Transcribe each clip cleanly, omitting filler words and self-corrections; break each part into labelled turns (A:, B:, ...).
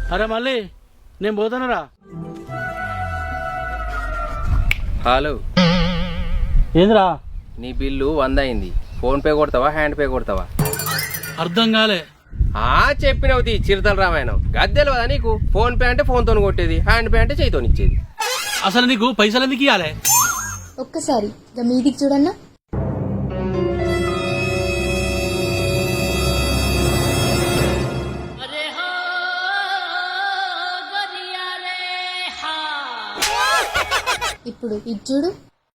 A: అరే మళ్ళీ నేను పోతానరా.
B: హలో,
A: ఏంద్రా?
B: నీ బిల్లు 100 అయింది. ఫోన్ పే కొడతావా, హ్యాండ్ పే కొడతావా?
A: అర్థం కాలే.
B: చెప్పినవుతి చిరుతల రామాయణం. గద్దెలు కదా నీకు. ఫోన్ పే అంటే ఫోన్తో కొట్టేది, హ్యాండ్ పే అంటే చేయితో ఇచ్చేది.
A: అసలు నీకు పైసలు ఎందుకు ఇవ్వాలి?
C: ఒక్కసారి మీదికి చూడన్నా. ఇప్పుడు ఇది చూడు.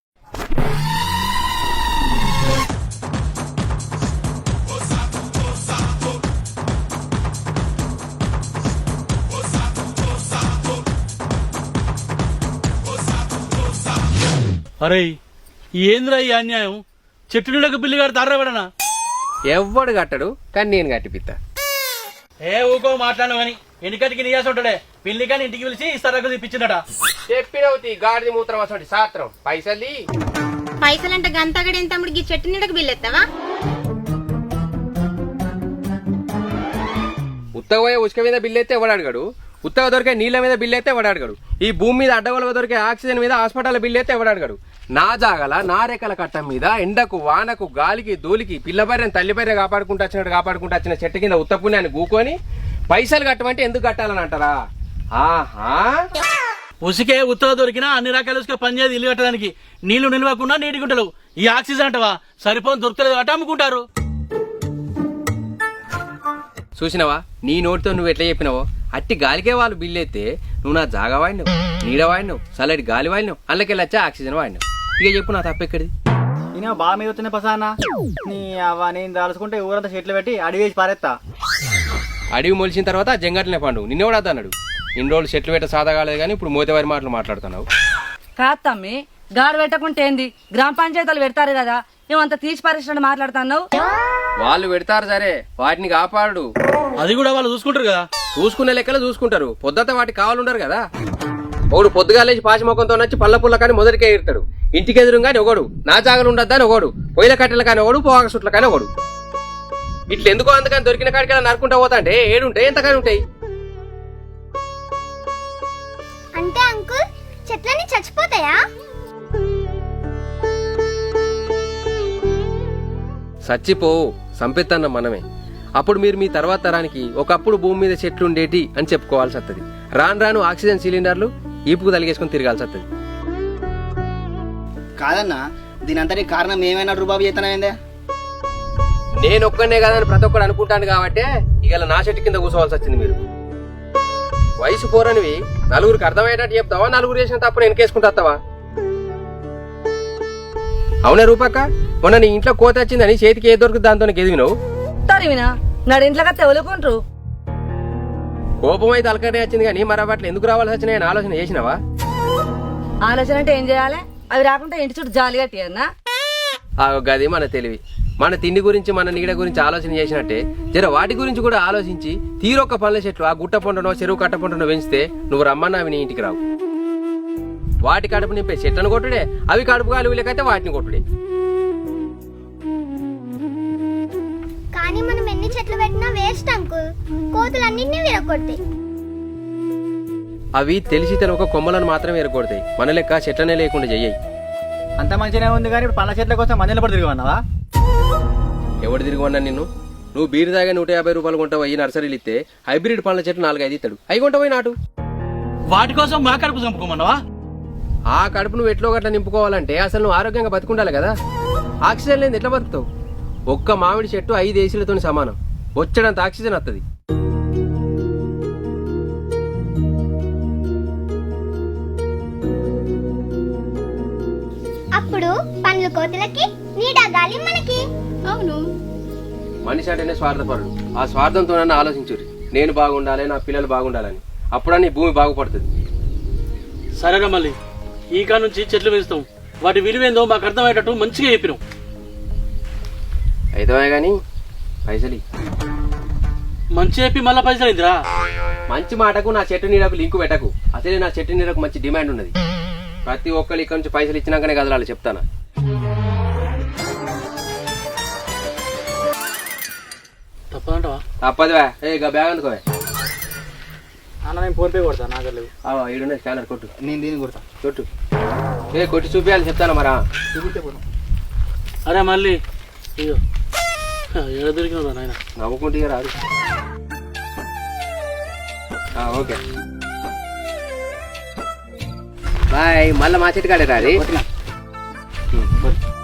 A: అరే ఏంద్రా ఈ అన్యాయం? చెట్టు నీడకు బిల్లు గారు తారబడనా?
B: ఎవ్వడు కట్టడు, కానీ నేను కట్టిపిత్తా.
A: ఊకో మాట్లాడను అని ఎన్నికటికి నీయాసి ఉంటాడే. పిల్లి కానీ ఇంటికి పిలిచి ఇస్తారకు తెప్పించిందట.
B: చెప్పినవుతి గాడిది మూత్రం అసలు సాత్రం.
D: పైసలంటే గంతగడి ఎంత తమ్ముడికి చెట్టు నీడకు బిల్లు ఎత్తావా?
B: ఉత్తగ పోయే ఉసుక మీద బిల్లు అయితే ఎవడు అడగడు. ఉత్తగ దొరికే నీళ్ళ మీద బిల్లు అయితే ఎవడు అడగడు. ఈ భూమి మీద అడ్డగోలుగా దొరికే ఆక్సిజన్ మీద హాస్పిటల్ బిల్లు అయితే ఎవడు అడగడు. నా జాగల నా రేఖల కట్టం మీద ఎండకు వానకు గాలికి ధూళికి పిల్లబర్రెని తల్లిబర్రె కాపాడుకుంటూ వచ్చిన చెట్టు కింద ఉత్త పుణ్యాన్ని గూకొని పైసలు కట్టమంటే ఎందుకు కట్టాలని అంటారా? ఆహా,
A: ఉసికే ఉత్తర దొరికినా అన్ని రకాల ఉసుక పనిచేది ఇల్లు కట్టడానికి. నీళ్లు నిలవకుండా నీటి గుంటలు. ఈ ఆక్సిజన్ అంటవా సరిపోని దొరకలేదు అట అమ్ముకుంటారు.
B: చూసినవా నీ నోటితో నువ్వు ఎట్లా చెప్పినావో అట్టి గాలికే వాళ్ళు బిల్లు అయితే నువ్వు నా జాగా వాడినావు, నీడ వాడినావు, చల్లటి గాలి వాడినావు, అందులోకెళ్ళి వచ్చా ఆక్సిజన్ వాడినావు. ఇక చెప్పు నా తప్పెక్కడిది?
E: నేను బాగా మీద వచ్చిన పసానా నీ అవ్వ నేను దాల్చుకుంటే ఊరంతా చెట్లు పెట్టి అడిగి వేసి పారేస్తా.
B: అడవి మొలిచిన తర్వాత జంగట్లనే పండు నిన్నెవడా అన్నాడు. ఇన్ని రోజులు చెట్లు పెట్ట సాదా కాలేదు కానీ ఇప్పుడు మోతేవారి మాటలు మాట్లాడుతున్నావు.
F: కాదు తమ్మి, గాడు పెట్టకుంటే ఏంది? గ్రామ పంచాయతీలు పెడతారు కదా, మేమంతా తీసి పారేసినట్టు మాట్లాడుతున్నావు.
B: వాళ్ళు పెడతారు సరే, వాటిని కాపాడు.
A: అది కూడా వాళ్ళు చూసుకుంటారు కదా.
B: చూసుకునే లెక్కలు చూసుకుంటారు, పొద్దుత వాటికి కావాలంటారు కదా. ఒకడు పొద్దుగాలేసి పాచి మొక్కంతో నచ్చి పళ్ళ పుల్ల కానీ మొదటికే ఎడతాడు. ఇంటికి ఎదురుగాని ఒకడు, నా జాగలు ఉండద్దా అని ఒకడు, పొయ్యిల కట్టెల కానీ ఒకడు, పోగా సుట్ల కానీ ఒకడు. ఇట్లా ఎందుకో అందుకని దొరికిన కాడికి నరుకుంటా పోతా అంటే ఏడుంటాయి ఎంతకాని ఉంటాయి.
D: అంటే అంకుల్ చెట్లన్నీ చచ్చిపోతాయా?
B: సచ్చిపోవు, సంపెత్తన్న మనమే. అప్పుడు మీరు మీ తర్వాత తరానికి ఒకప్పుడు భూమి మీద చెట్లు ఉండేటి అని చెప్పుకోవాల్సి వస్తుంది. రాను రాను ఆక్సిజన్ సిలిండర్లు ఈపుకు తలిగేసుకుని తిరగాల్సి వస్తుంది.
E: కాదన్నా, దీని అంతటి కారణం ఏమైనా రూబాబు చేతనైందే?
B: నేను ఒక్కనే కాదని ప్రతి ఒక్కడు అనుకుంటాను కాబట్టి ఇవాళ నా చెట్టు కింద కూర్చోవాల్సి వచ్చింది. మీరు వయసు పోరనివి నలుగురికి అర్థమయ్యేటట్టు చెప్తావా, నలుగురు చేసిన తప్పుడు వెనకేసుకుంటావా? అవునా రూపక్క, మొన్న నీ ఇంట్లో కోత వచ్చిందని చేతికి ఏ దొరుకుతుంది దాంతో ఎదిగినావు.
F: తరివినా నాడు ఇంట్లో తెవలుకుంటారు.
B: కోపం అయితే అలకటే వచ్చింది కానీ మరి అట్లా ఎందుకు రావాల్సి వచ్చినాయని ఆలోచన చేసినావా?
F: ఆలోచన అంటే ఏం చేయాలి? అవి రాకుండా ఇంటి చుట్టూ జాలి కట్టియన్నా.
B: గది మన తెలివి. మన తిండి గురించి మన నీడ గురించి ఆలోచన చేసినట్టే జర వాటి గురించి కూడా ఆలోచించి తీరొక్క పళ్ళ చెట్లు ఆ గుట్ట పొంటనో చెరువు కట్ట పొంటనో పెంచితే నువ్వు రమ్మన్నా అవి నీ ఇంటికి రావు. వాటి కడుపు నింపే చెట్లను కొట్టుడే, అవి కడుపు గాలి లేకైతే వాటిని కొట్టుడే.
D: కానీ మనం ఎన్ని చెట్లు పెట్టినా వేస్ట్ అంకుల్, కోతులన్నింటినీ విరగొడతాయి.
B: అవి తెలిసి తెలవక కొమ్మలను మాత్రమే ఎరగొడతాయి, మన లెక్క చెట్లనే లేకుండా చెయ్యి.
E: అంత మంచిగానే ఉంది కానీ ఇప్పుడు పండ్ల చెట్ల కోసం మందిలో పడి తిరిగివన్నావా?
B: ఎవడు తిరిగివన్నా నిన్ను? నువ్వు బీరు దాగా 150 రూపాయలు కొంటావు. ఈ నర్సరీలు ఇస్తే హైబ్రిడ్ పండ్ల చెట్లు 4-5 ఇస్తాడు, అవి కొంటపోయి నాటు.
A: వాటి కోసం మా కడుపు చంపుకోమన్నావా?
B: ఆ కడుపు నువ్వు ఎట్లో గట్లా నింపుకోవాలంటే అసలు నువ్వు ఆరోగ్యంగా బతుకుండాలి కదా. ఆక్సిజన్ లేని ఎట్లా బతుకుతావు? ఒక్క మామిడి చెట్టు 5 ఏసీలతో సమానం. వచ్చేటంత ఆక్సిజన్ వస్తుంది.
D: అప్పుడు పండ్లు కోతులకి, నీడ గాలి మనకి. అవును,
B: మనిషి అంటేనే స్వార్థపరుడు. ఆ స్వార్థంతో నన్ను ఆలోచించుర్రి. నేను బాగుండాలి, నా పిల్లలు బాగుండాలని. అప్పుడని భూమి బాగుపడుతుంది.
A: సరేగా మళ్ళీ ఈ కాడ నుంచి చెట్లు పెంచుతాం. వాటి విలువేందో మాకు అర్థమయ్యేటట్టు మంచిగా చెప్పినాం.
B: అయితే గాని పైసలి
A: మంచి చెప్పి మళ్ళా పైసలు అయిందిరా.
B: మంచి మాటకు నా చెట్టు నీడకు లింకు పెట్టకు. అసలే నా చెట్టు నీడకు మంచి డిమాండ్ ఉన్నది. ప్రతి ఒక్కరు ఇక్కడ నుంచి పైసలు ఇచ్చినాకనే కదలాలి, చెప్తానా?
A: తప్పదంటవా?
B: తప్పదువా? ఏ బ్యాగ్ అందుకోవే.
E: నేను ఫోన్ పే కొడతా నా దగ్గర లేవు.
B: ఈడున్న స్కానర్ కొట్టు
E: నేను దీన్ని కొడతా.
B: కొట్టు కొట్టి చూపించాలి చెప్తాను మరా.
E: చూపిస్తే పోను.
A: అరే మళ్ళీ అయ్యో ఎడ దొరికినదా నాయన.
B: నవ్వుకుంటే రాదు. Okay bye. మళ్ళీ మా చెట్టు కాడే రాది.
E: కొట్టినా.